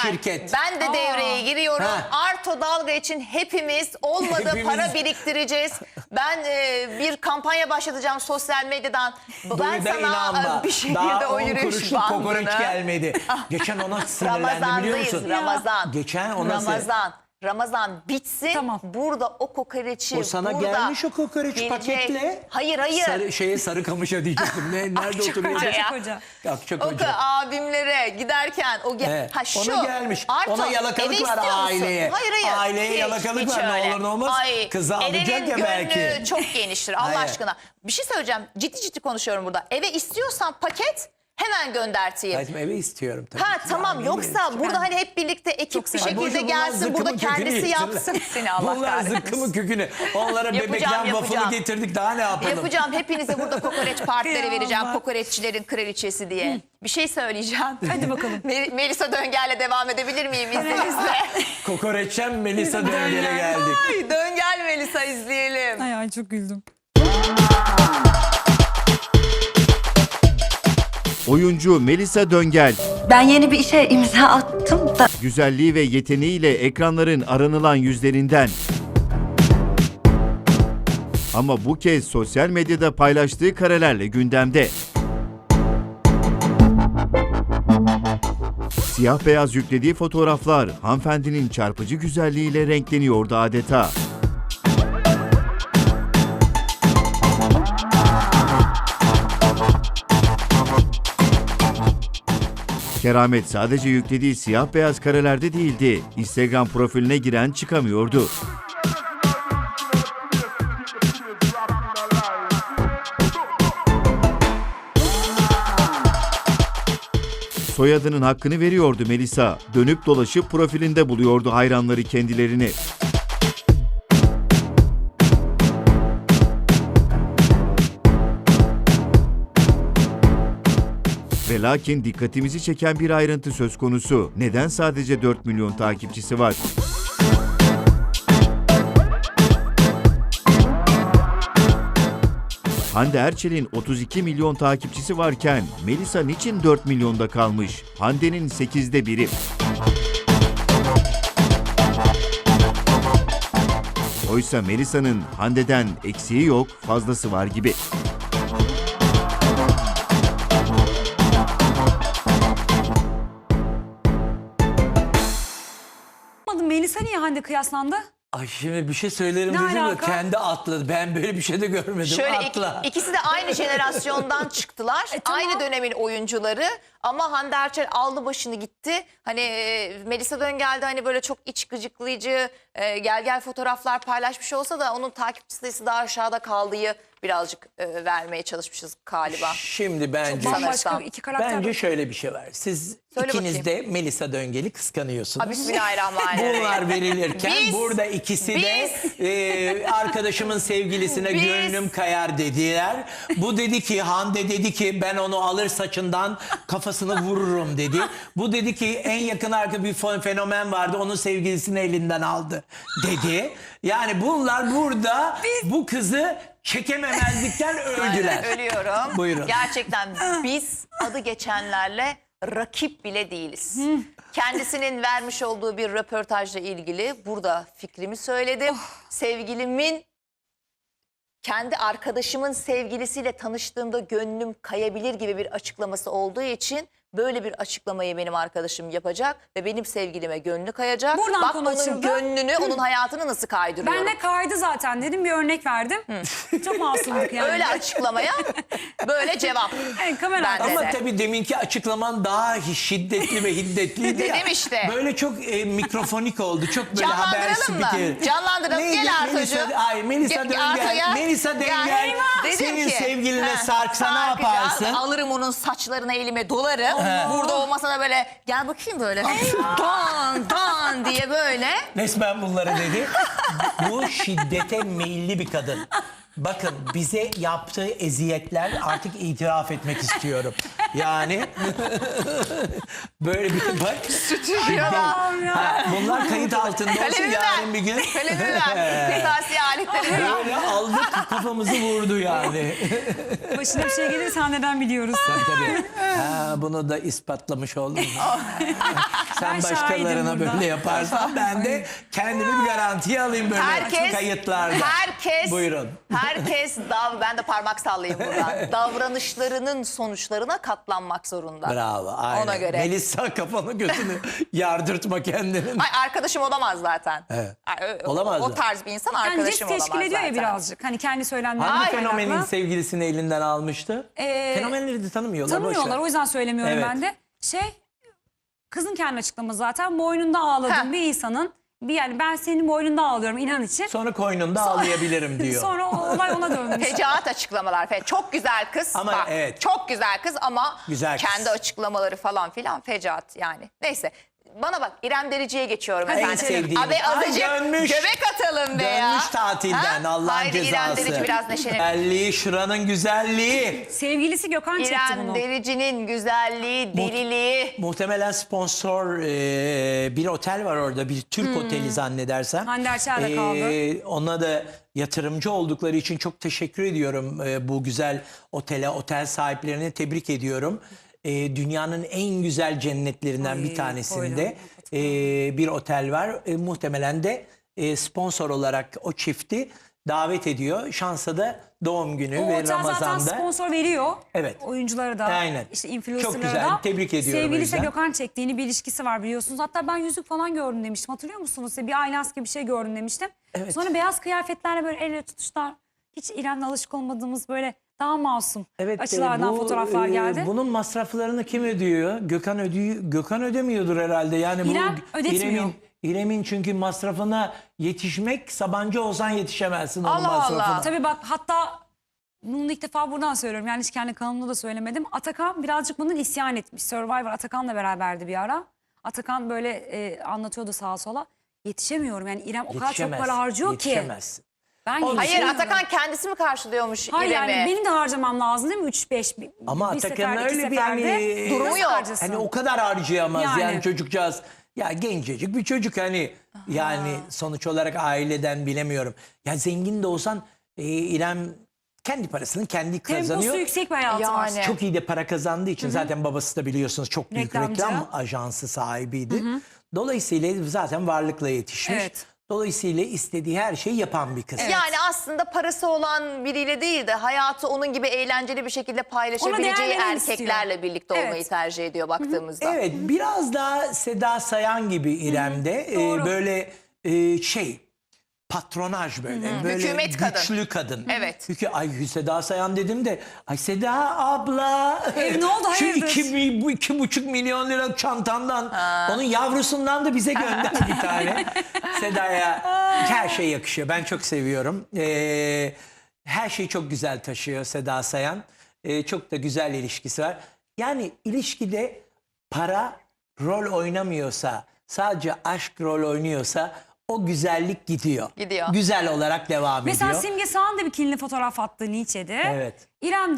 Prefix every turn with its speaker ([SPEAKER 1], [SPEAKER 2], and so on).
[SPEAKER 1] şirket.
[SPEAKER 2] Ben de devreye giriyorum.
[SPEAKER 1] Ha.
[SPEAKER 2] Arto Dalga için hepimiz olmadı
[SPEAKER 1] Hepimiz.
[SPEAKER 2] para biriktireceğiz. Ben bir kampanya başlatacağım sosyal medyadan. Ben
[SPEAKER 1] Duy da
[SPEAKER 2] sana
[SPEAKER 1] inanma.
[SPEAKER 2] bir şekilde
[SPEAKER 1] Daha
[SPEAKER 2] o
[SPEAKER 1] 10
[SPEAKER 2] yürüyüş
[SPEAKER 1] kuruşluk kokoreç
[SPEAKER 2] bandını.
[SPEAKER 1] gelmedi. Geçen ona sinirlendim biliyor
[SPEAKER 2] Ramazandayız,
[SPEAKER 1] musun?
[SPEAKER 2] Ramazan.
[SPEAKER 1] Geçen ona
[SPEAKER 2] Ramazan bitsin.
[SPEAKER 3] Tamam.
[SPEAKER 2] Burada o kokoreçi
[SPEAKER 1] O sana
[SPEAKER 2] burada
[SPEAKER 1] gelmiş o kokoreç
[SPEAKER 2] gelecek.
[SPEAKER 1] paketle.
[SPEAKER 2] Hayır.
[SPEAKER 1] Sarıkamış'a diyecektim. Nerede oturuyor?
[SPEAKER 3] Akçakoca.
[SPEAKER 1] Akçakoca.
[SPEAKER 2] Abimlere giderken o
[SPEAKER 1] Evet.
[SPEAKER 2] ha şu
[SPEAKER 1] Ona gelmiş.
[SPEAKER 2] Arto,
[SPEAKER 1] Ona
[SPEAKER 2] eve
[SPEAKER 1] yalakalık var
[SPEAKER 2] istiyor musun?
[SPEAKER 1] aileye.
[SPEAKER 2] Hayır.
[SPEAKER 1] Aileye
[SPEAKER 2] Hiç,
[SPEAKER 1] yalakalık
[SPEAKER 2] hiç
[SPEAKER 1] var. Ne
[SPEAKER 2] öyle.
[SPEAKER 1] olur ne olmaz. Kızı alacak
[SPEAKER 2] Eren'in
[SPEAKER 1] ya belki.
[SPEAKER 2] gönlü çok geniştir Allah
[SPEAKER 1] Hayır.
[SPEAKER 2] aşkına. Bir şey söyleyeceğim. Ciddi konuşuyorum burada. Eve istiyorsan paket hemen gönderteyim.
[SPEAKER 1] Hayatım eve istiyorum tabii.
[SPEAKER 2] Ha
[SPEAKER 1] ki.
[SPEAKER 2] tamam
[SPEAKER 1] Yani
[SPEAKER 2] yoksa burada hani hep birlikte ekip bir
[SPEAKER 1] Ay, boşu
[SPEAKER 2] şekilde
[SPEAKER 1] bunlar
[SPEAKER 2] gelsin burada
[SPEAKER 1] zıkkımın kökünü
[SPEAKER 2] kendisi
[SPEAKER 1] yesinler.
[SPEAKER 2] yapsın. Seni Allah
[SPEAKER 1] Bunlar
[SPEAKER 2] kahretsin.
[SPEAKER 1] zıkkımın kökünü. Onlara bebekten waffle'ı getirdik daha ne yapalım?
[SPEAKER 2] Yapacağım hepinize burada kokoreç partileri
[SPEAKER 3] Ya
[SPEAKER 2] vereceğim.
[SPEAKER 3] Allah.
[SPEAKER 2] Kokoreççilerin kraliçesi diye. Bir şey söyleyeceğim.
[SPEAKER 3] Hadi bakalım.
[SPEAKER 2] Melisa Döngel'le devam edebilir miyim izninizle?
[SPEAKER 1] Kokoreçten Melisa Döngel'e geldik.
[SPEAKER 2] Ay, Döngel Melisa izleyelim.
[SPEAKER 3] Ay çok güldüm.
[SPEAKER 4] Oyuncu Melisa Döngel,
[SPEAKER 5] Ben yeni bir işe imza attım da
[SPEAKER 4] güzelliği ve yeteneğiyle ekranların aranılan yüzlerinden. Ama bu kez sosyal medyada paylaştığı karelerle gündemde. Siyah beyaz yüklediği fotoğraflar hanımefendinin çarpıcı güzelliğiyle renkleniyordu adeta. Keramet sadece yüklediği siyah beyaz karelerde değildi. Instagram profiline giren çıkamıyordu. Soyadının hakkını veriyordu Melisa. Dönüp dolaşıp profilinde buluyordu hayranları kendilerini. Ve lakin dikkatimizi çeken bir ayrıntı söz konusu. Neden sadece 4 milyon takipçisi var? Hande Erçel'in 32 milyon takipçisi varken Melisa niçin 4 milyonda kalmış? Hande'nin 8'de biri. Oysa Melisa'nın Hande'den eksiği yok, fazlası var gibi.
[SPEAKER 3] Melisa niye Hande kıyaslandı?
[SPEAKER 1] Ay şimdi bir şey söylerim
[SPEAKER 3] Ne
[SPEAKER 1] dedim de
[SPEAKER 3] alaka?
[SPEAKER 1] kendi atladı. Ben böyle bir şey de görmedim.
[SPEAKER 2] Şöyle
[SPEAKER 1] Atla.
[SPEAKER 2] ikisi de aynı jenerasyondan çıktılar.
[SPEAKER 3] Tamam.
[SPEAKER 2] Aynı dönemin oyuncuları. Ama Hande Erçel aldı başını gitti. Hani Melisa Döngel'de hani böyle çok iç gıcıklayıcı gel fotoğraflar paylaşmış olsa da onun takipçi sayısı daha aşağıda kaldığı birazcık vermeye çalışmışız galiba.
[SPEAKER 1] Şimdi bence
[SPEAKER 3] Bambaşka iki karakter.
[SPEAKER 1] bence şöyle bir şey var. Siz
[SPEAKER 2] Söyle
[SPEAKER 1] ikiniz de Melisa Döngel'i kıskanıyorsunuz.
[SPEAKER 2] Bismillahirrahmanirrahim.
[SPEAKER 1] Bunlar verilirken
[SPEAKER 2] Biz-
[SPEAKER 1] burada ikisi de arkadaşımın sevgilisine
[SPEAKER 2] Biz-
[SPEAKER 1] gönlüm kayar dediler. Bu dedi ki Hande dedi ki ben onu alır saçından kafasını vururum dedi. Bu dedi ki en yakın arka bir fenomen vardı onun sevgilisini elinden aldı dedi. Yani bunlar burada bu kızı çekememezlikten öldüler.
[SPEAKER 2] Ölüyorum.
[SPEAKER 1] Buyurun.
[SPEAKER 2] Gerçekten biz adı geçenlerle rakip bile değiliz. Kendisinin vermiş olduğu bir röportajla ilgili burada fikrimi söyledim. Sevgilimin kendi arkadaşımın sevgilisiyle tanıştığımda gönlüm kayabilir gibi bir açıklaması olduğu için böyle bir açıklamayı benim arkadaşım yapacak ve benim sevgilime gönlü kayacak.
[SPEAKER 3] Buradan
[SPEAKER 2] Bak
[SPEAKER 3] konu
[SPEAKER 2] onun
[SPEAKER 3] açıldı.
[SPEAKER 2] gönlünü, onun hayatını nasıl kaydırıyorum.
[SPEAKER 3] Ben de kaydı zaten dedim, bir örnek verdim. Çok masumluk yani.
[SPEAKER 2] Öyle açıklamaya böyle cevap.
[SPEAKER 3] Evet, kamera
[SPEAKER 2] Ben de.
[SPEAKER 1] Ama
[SPEAKER 2] de.
[SPEAKER 1] tabii deminki açıklaman daha şiddetli ve hiddetliydi ya.
[SPEAKER 2] Dedim işte.
[SPEAKER 1] Böyle çok mikrofonik oldu. Çok böyle haber
[SPEAKER 2] Canlandıralım mı?
[SPEAKER 1] spikeri.
[SPEAKER 2] Canlandıralım.
[SPEAKER 1] Neydi?
[SPEAKER 2] Gel Artucuğum.
[SPEAKER 1] Melisa
[SPEAKER 2] Artu
[SPEAKER 1] Döngel.
[SPEAKER 2] gel.
[SPEAKER 1] Melisa Döngel.
[SPEAKER 2] Dedim
[SPEAKER 1] Senin
[SPEAKER 2] ki,
[SPEAKER 1] sevgiline
[SPEAKER 2] ha,
[SPEAKER 1] sarksa ne
[SPEAKER 2] sarkacağız.
[SPEAKER 1] yaparsın?
[SPEAKER 2] Alırım onun saçlarına elime dolarım. Burada o masada böyle gel bakayım böyle. Dan diye böyle.
[SPEAKER 1] Resmen bunları dedi. Bu şiddete meyilli bir kadın. Bakın bize yaptığı eziyetler artık itiraf etmek istiyorum. Yani böyle bir bak.
[SPEAKER 2] Stüdyoda.
[SPEAKER 1] Bunlar kayıt altında olsun
[SPEAKER 2] Kalemimi
[SPEAKER 1] yarın
[SPEAKER 2] ver.
[SPEAKER 1] bir gün.
[SPEAKER 2] Kalemimi ver. Kırtasiye aletleri ver.
[SPEAKER 1] Böyle aldık kafamızı vurdu yani.
[SPEAKER 3] Başına bir şey gelirse neden biliyoruz.
[SPEAKER 1] Tabii. Ha, bunu da ispatlamış oldum. Sen
[SPEAKER 3] Ben
[SPEAKER 1] başkalarına
[SPEAKER 3] şahidim burada.
[SPEAKER 1] böyle yaparsan ben de kendimi bir garantiye alayım böyle kayıtlarda.
[SPEAKER 2] Herkes,
[SPEAKER 1] Buyurun.
[SPEAKER 2] herkes ben de parmak sallayayım buradan. Davranışlarının sonuçlarına katlanmak zorunda.
[SPEAKER 1] Bravo. Aynen.
[SPEAKER 2] Ona göre.
[SPEAKER 1] Melisa kafanı gözünü yardırtma kendinin.
[SPEAKER 2] Ay arkadaşım olamaz zaten.
[SPEAKER 1] Evet.
[SPEAKER 2] Ay,
[SPEAKER 1] Olamaz
[SPEAKER 2] o
[SPEAKER 1] mı?
[SPEAKER 2] tarz bir insan
[SPEAKER 3] Yani
[SPEAKER 2] arkadaşım
[SPEAKER 3] cips
[SPEAKER 2] olamaz
[SPEAKER 3] teşkil ediyor
[SPEAKER 2] zaten.
[SPEAKER 3] ya birazcık. Hani kendi söylemlerine
[SPEAKER 1] Hangi
[SPEAKER 3] kaynaklı.
[SPEAKER 1] fenomenin sevgilisini elinden almıştı? Fenomenleri de tanımıyorlar. boş ver.
[SPEAKER 3] Tanımıyorlar, o yüzden söylemiyorum
[SPEAKER 1] Evet.
[SPEAKER 3] ben de. Kızın kendi açıklaması zaten boynunda ağladığım
[SPEAKER 2] Heh.
[SPEAKER 3] bir insanın yani ben senin boynunda ağlıyorum inan için.
[SPEAKER 1] Sonra koynunda ağlayabilirim diyor.
[SPEAKER 3] Sonra o olay ona dönmüş.
[SPEAKER 2] Fecaat açıklamalar. Çok güzel kız.
[SPEAKER 1] Ama
[SPEAKER 2] Bak,
[SPEAKER 1] evet.
[SPEAKER 2] Çok güzel kız ama
[SPEAKER 1] Güzel kız.
[SPEAKER 2] kendi açıklamaları falan filan fecaat yani. Neyse. Bana bak İrem Derici'ye geçiyorum
[SPEAKER 3] Hadi
[SPEAKER 2] efendim.
[SPEAKER 1] sevdiğim.
[SPEAKER 2] Abi
[SPEAKER 1] Ay,
[SPEAKER 2] azıcık
[SPEAKER 1] dönmüş.
[SPEAKER 2] göbek atalım be ya.
[SPEAKER 1] Dönmüş tatilden Allah'ın
[SPEAKER 2] Haydi
[SPEAKER 1] cezası.
[SPEAKER 2] İrem Derici biraz neşelenin.
[SPEAKER 1] Güzelliği, şuranın güzelliği.
[SPEAKER 3] Sevgilisi Gökhan çekti
[SPEAKER 2] İrem
[SPEAKER 3] bunu.
[SPEAKER 2] Derici'nin güzelliği, deliliği.
[SPEAKER 1] Muhtemelen sponsor bir otel var orada. Bir Türk oteli zannedersem.
[SPEAKER 3] Hande Erçel de kaldı.
[SPEAKER 1] Ona da yatırımcı oldukları için çok teşekkür ediyorum. Bu güzel otel sahiplerini tebrik ediyorum. Dünyanın en güzel cennetlerinden
[SPEAKER 3] Ay,
[SPEAKER 1] bir tanesinde bir otel var. Muhtemelen de sponsor olarak o çifti davet ediyor. Şansa da doğum günü
[SPEAKER 3] O
[SPEAKER 1] ve
[SPEAKER 3] otel zaten
[SPEAKER 1] Ramazan'da.
[SPEAKER 3] sponsor veriyor.
[SPEAKER 1] Evet.
[SPEAKER 3] Oyunculara da.
[SPEAKER 1] Aynen.
[SPEAKER 3] İşte
[SPEAKER 1] Çok
[SPEAKER 3] influencerlara
[SPEAKER 1] güzel,
[SPEAKER 3] da.
[SPEAKER 1] tebrik ediyorum o
[SPEAKER 3] Sevgilisi
[SPEAKER 1] yüzden.
[SPEAKER 3] Gökhan çektiğini bir ilişkisi var biliyorsunuz. Hatta ben yüzük falan gördüm demiştim. Hatırlıyor musunuz? Bir aylans gibi bir şey gördüm demiştim.
[SPEAKER 1] Evet.
[SPEAKER 3] Sonra beyaz kıyafetlerle böyle el ele tutuşlar. Hiç İrem'le alışık olmadığımız böyle daha masum açılardan fotoğraflar geldi.
[SPEAKER 1] Bunun masraflarını kim ödüyor? Gökhan ödüyor. Gökhan ödemiyordur herhalde. Yani
[SPEAKER 3] İrem
[SPEAKER 1] bu
[SPEAKER 3] ödetmiyor.
[SPEAKER 1] İrem'in çünkü masrafına yetişmek Sabancı olsan yetişemezsin onun
[SPEAKER 2] Allah
[SPEAKER 1] masrafına.
[SPEAKER 2] Allah.
[SPEAKER 3] Tabii bak hatta bunu ilk defa buradan söylüyorum. Yani hiç kendi kanalımda da söylemedim. Atakan birazcık bunun isyan etmiş. Survivor Atakan'la beraberdi bir ara. Atakan böyle anlatıyordu sağa sola. Yetişemiyorum yani İrem o kadar çok
[SPEAKER 1] Yetişemez,
[SPEAKER 3] para harcıyor ki.
[SPEAKER 1] yetişemez.
[SPEAKER 3] Ben
[SPEAKER 2] Hayır
[SPEAKER 3] yetişemiyorum.
[SPEAKER 2] Atakan kendisi mi karşılıyormuş
[SPEAKER 3] Hayır
[SPEAKER 2] İrem'i?
[SPEAKER 3] yani benim de harcamam lazım değil mi? 3-5
[SPEAKER 1] Ama
[SPEAKER 3] bir
[SPEAKER 1] Atakan'ın
[SPEAKER 3] seferde, iki
[SPEAKER 1] öyle bir
[SPEAKER 3] seferde.
[SPEAKER 1] yani-
[SPEAKER 2] Durumu
[SPEAKER 3] Nasıl
[SPEAKER 2] yok.
[SPEAKER 3] harcasın?
[SPEAKER 1] Hani o kadar harcayamaz yani,
[SPEAKER 3] Yani.
[SPEAKER 1] çocukcağız. Ya gencecik bir çocuk hani yani sonuç olarak aileden bilemiyorum. Ya zengin de olsan İrem kendi parasını kendi kazanıyor.
[SPEAKER 3] Temposu yüksek bir hayatı var.
[SPEAKER 2] Yani.
[SPEAKER 1] Çok iyi de para kazandığı için zaten babası da biliyorsunuz çok büyük
[SPEAKER 3] Reklamcı.
[SPEAKER 1] reklam ajansı sahibiydi. Dolayısıyla zaten varlıkla yetişmiş.
[SPEAKER 3] Evet.
[SPEAKER 1] Dolayısıyla istediği her şeyi yapan bir kız.
[SPEAKER 2] Yani aslında parası olan biriyle değil de hayatı onun gibi eğlenceli bir şekilde
[SPEAKER 3] Ona
[SPEAKER 2] paylaşabileceği
[SPEAKER 3] değer veren
[SPEAKER 2] erkeklerle
[SPEAKER 3] istiyor.
[SPEAKER 2] birlikte olmayı
[SPEAKER 3] Evet.
[SPEAKER 2] tercih ediyor baktığımızda.
[SPEAKER 1] Evet, biraz daha Seda Sayan gibi İrem'de
[SPEAKER 3] doğru.
[SPEAKER 1] böyle patronaj böyle
[SPEAKER 2] Hükümet kadın.
[SPEAKER 1] güçlü kadın.
[SPEAKER 2] Evet.
[SPEAKER 1] Çünkü ay Seda Sayan dedim de ay Seda abla
[SPEAKER 3] Ne oldu,
[SPEAKER 1] şu
[SPEAKER 3] hayırdır?
[SPEAKER 1] 2,5 milyon lira çantandan onun yavrusundan da bize gönder bir tane. Seda'ya her şey yakışıyor. Ben çok seviyorum. Her şeyi çok güzel taşıyor Seda Sayan. Çok da güzel ilişkisi var. Yani ilişkide para rol oynamıyorsa, sadece aşk rol oynuyorsa o güzellik gidiyor.
[SPEAKER 2] Gidiyor.
[SPEAKER 1] Güzel olarak devam
[SPEAKER 3] Mesela
[SPEAKER 1] ediyor.
[SPEAKER 3] Simge Sağan da bikinili fotoğraf attı Nietzsche'de.
[SPEAKER 1] Evet.
[SPEAKER 3] İrem de